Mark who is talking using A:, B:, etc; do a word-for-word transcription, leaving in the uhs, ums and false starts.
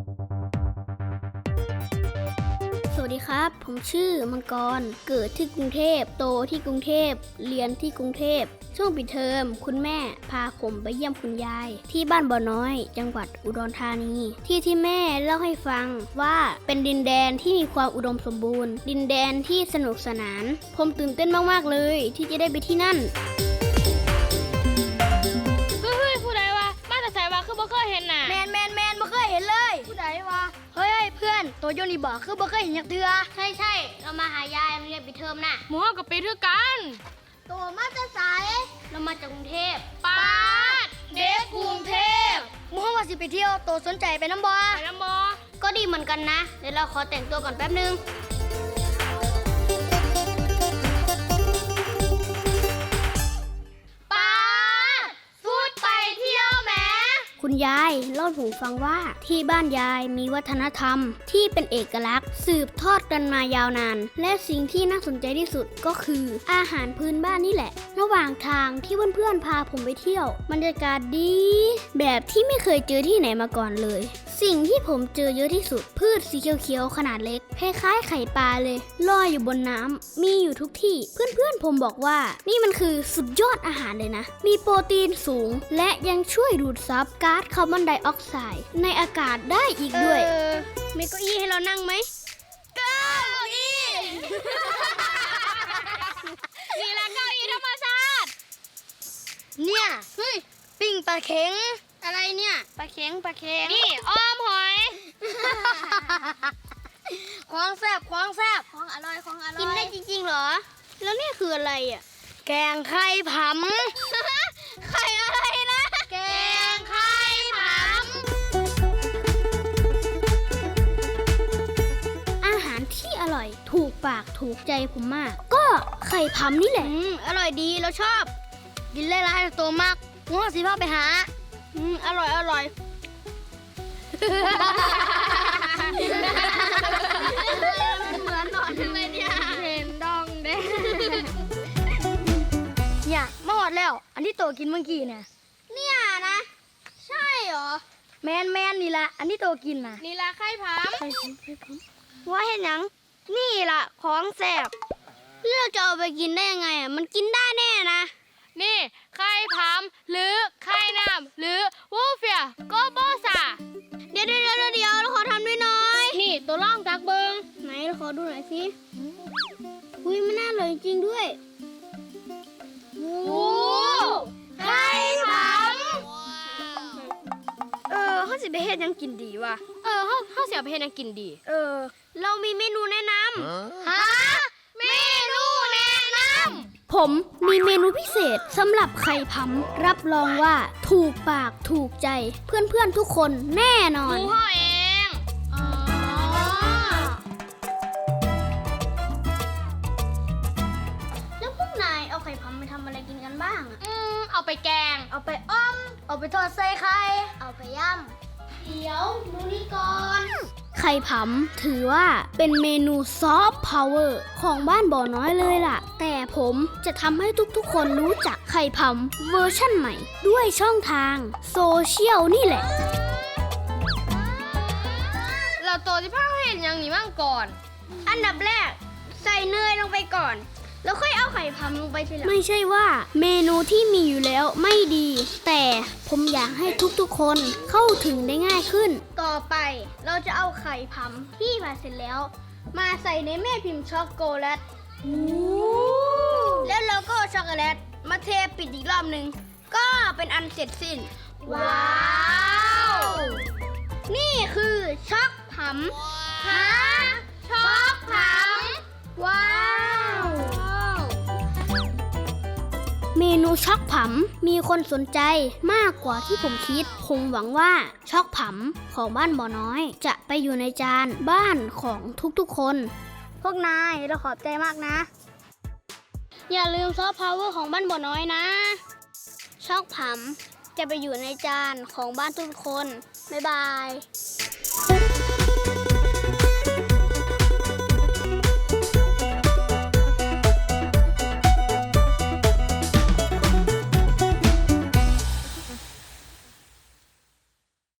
A: สวัสดีครับผมชื่อมังกรเกิดที่กรุงเทพโตที่กรุงเทพเรียนที่กรุงเทพช่วงปิดเทอมคุณแม่พาผมไปเยี่ยมคุณยายที่บ้านบ่อน้อยจังหวัดอุดรธานีที่ที่แม่เล่าให้ฟังว่าเป็นดินแดนที่มีความอุดมสมบูรณ์ดินแดนที่สนุกสนานผมตื่นเต้นมากๆเลยที่จะได้ไปที่นั่น
B: เฮ้ยผู้ใดวะมาแต่ใส่วะคือบ่เคยเห็นน่ะ
C: แมนแมนแมนบ่เคยเห็นเลยผู้ใดวะเฮ้ยเพื่อนตัวโยนี่บอกคือบ่เคยเห็นยักเถื่อ
A: ใช่ใช่เรามาหายายมาเรียนปิดเทอมน่ะ
B: หมู่เฮากับปีคือกัน
C: ตัวมาจะสาย
A: เรามาจากกรุงเทพ
B: ปาดเด็กกรุงเทพ
C: หมู่เฮาว่าสิไปเที่ยวตัวสนใจไปน้ำบ่
B: ไปน้ำบ่
A: ก็ดีเหมือนกันนะเดี๋ยวเราขอแต่งตัวก่อนแป๊บนึงคุณยายเล่าให้ผมฟังว่าที่บ้านยายมีวัฒนธรรมที่เป็นเอกลักษณ์สืบทอดกันมายาวนานและสิ่งที่น่าสนใจที่สุดก็คืออาหารพื้นบ้านนี่แหละระหว่างทางที่เพื่อนๆพาผมไปเที่ยวบรรยากาศดีแบบที่ไม่เคยเจอที่ไหนมาก่อนเลยสิ่งที่ผมเจอเยอะที่สุดพืชสีเขียวๆขนาดเล็กคล้ายๆไข่ปลาเลยลอยอยู่บนน้ำมีอยู่ทุกที่เพื่อนๆผมบอกว่านี่มันคือสุดยอดอาหารเลยนะมีโปรตีนสูงและยังช่วยดูดซับก๊าซคาร์บอนไดออกไซด์ในอากาศได้อีกด้วยมีเก้าอี้ให้เรานั่งไหม
B: เก้าอี้นี่แหละเก้าอี้ธรรมชาติ
C: เนี่ยเฮ้ยปิ้งปลาเข็ง
A: อะไรเนี่ยปลาเข็งปลาเข็ง
B: นี่อ้อมหอย
C: ของแซ่บของแซ่บ
A: ของอร่อยของอร่อยกินได้จริงๆเหรอแล้วนี่คืออะไรอ่ะ
C: แกงไข่ผ
A: ำไข่อะไรนะ
C: แกงไข่ผ
A: ำอาหารที่อร่อยถูกปากถูกใจผมมากก็ไข่ผำนี่แหละ
C: อืมอร่อยดีเราชอบกินเล่นร้านโตมากงัวสิพ่อไปหา
A: อืมอร่อยอร่อยเหมือนหนอนเลยเนี่ย
B: เห็นดองเด้
C: เนี่ยมาหอดแล้วอันที่โตกินเมื่อกี้เนี่ย
A: เนี่ยนะใช่หรอ
C: แมนแมนนี่ละอันที่โตกินน่ะ
B: นี่ละไข่ผำ
C: ไข่ผำไข่ผำว่าเห็นยังนี่ล่ะของแซ่บ
A: เราจะเอาไปกินได้ยังไงอ่ะมันกินได้แน่นะ
B: นี่ไข่ผำหรือไข่น้ำหรือวูเฟียโกโบซา
A: เดี๋ยวเดี๋ยวเดี๋ยวเดี๋ยวเราขอทำด้วยหน่อย
B: นี่ตัวล่องจักเบิง
A: ไหนเราขอดูหน่อยสิอุ้ยมันน่าอร่อยจริงด้วย
B: โอ้ไข่ผ
C: ำเออเขาสิไปเฮ็ดยังกินดีวะ
B: เออเขาเขาเสียไปเฮ็ดยังกินดี
C: เออ
A: เรามีเมนูแนะนำ
B: ฮะเมนูแนะน
A: ำผมมีเมนูพิเศษสำหรับไข่ผำรับรองว่าถูกปากถูกใจเพื่อนๆทุกคนแน่นอน
B: หมูห่อเองอ๋อ
A: แล้วพวกนายเอาไข่ผำไปทำอะไรกินกันบ้าง
B: อืมเอาไปแกง
C: เอาไปอ้อมเอาไปทอดใส่ไข่
A: เอาไปย่ำเดี๋ยวดูนี่ก่อนไข่ผำถือว่าเป็นเมนูซอฟต์พาวเวอร์ของบ้านบ่อน้อยเลยล่ะแต่ผมจะทำให้ทุกๆคนรู้จักไข่ผำเวอร์ชั่นใหม่ด้วยช่องทางโซเชียลนี่แหละ
B: เราโตที่พ่อเห็นยังหนีมั่งก่อน
A: อันดับแรกใส่เนยลงไปก่อนแล้วค่อยเอาไข่ผำลงไปทีหลังไม่ใช่ว่าเมนูที่มีอยู่แล้วไม่ดีแต่ผมอยากให้ทุกๆคนเข้าถึงได้ง่ายขึ้นต่อไปเราจะเอาไข่ผำที่ผ่าเสร็จแล้วมาใส่ในแม่พิมพ์ช็อกโกแลตแล้วเราก็ช็อกโกแลตมาเทปิดอีกรอบหนึ่งก็เป็นอันเสร็จสิ้น
B: ว้าว
A: นี่คือช็อกผำฮะ
B: ช็อกผ
A: ำว้าวเมนูช็อกผำมีคนสนใจมากกว่าที่ผมคิดผมหวังว่าช็อกผำของบ้านบ่อน้อยจะไปอยู่ในจานบ้านของทุกๆคนพวกนายเราขอบใจมากนะอย่าลืมซอฟต์พาวเวอร์ของบ้านบ่อน้อยนะช็อกผำจะไปอยู่ในจานของบ้านทุกคนบ๊ายบาย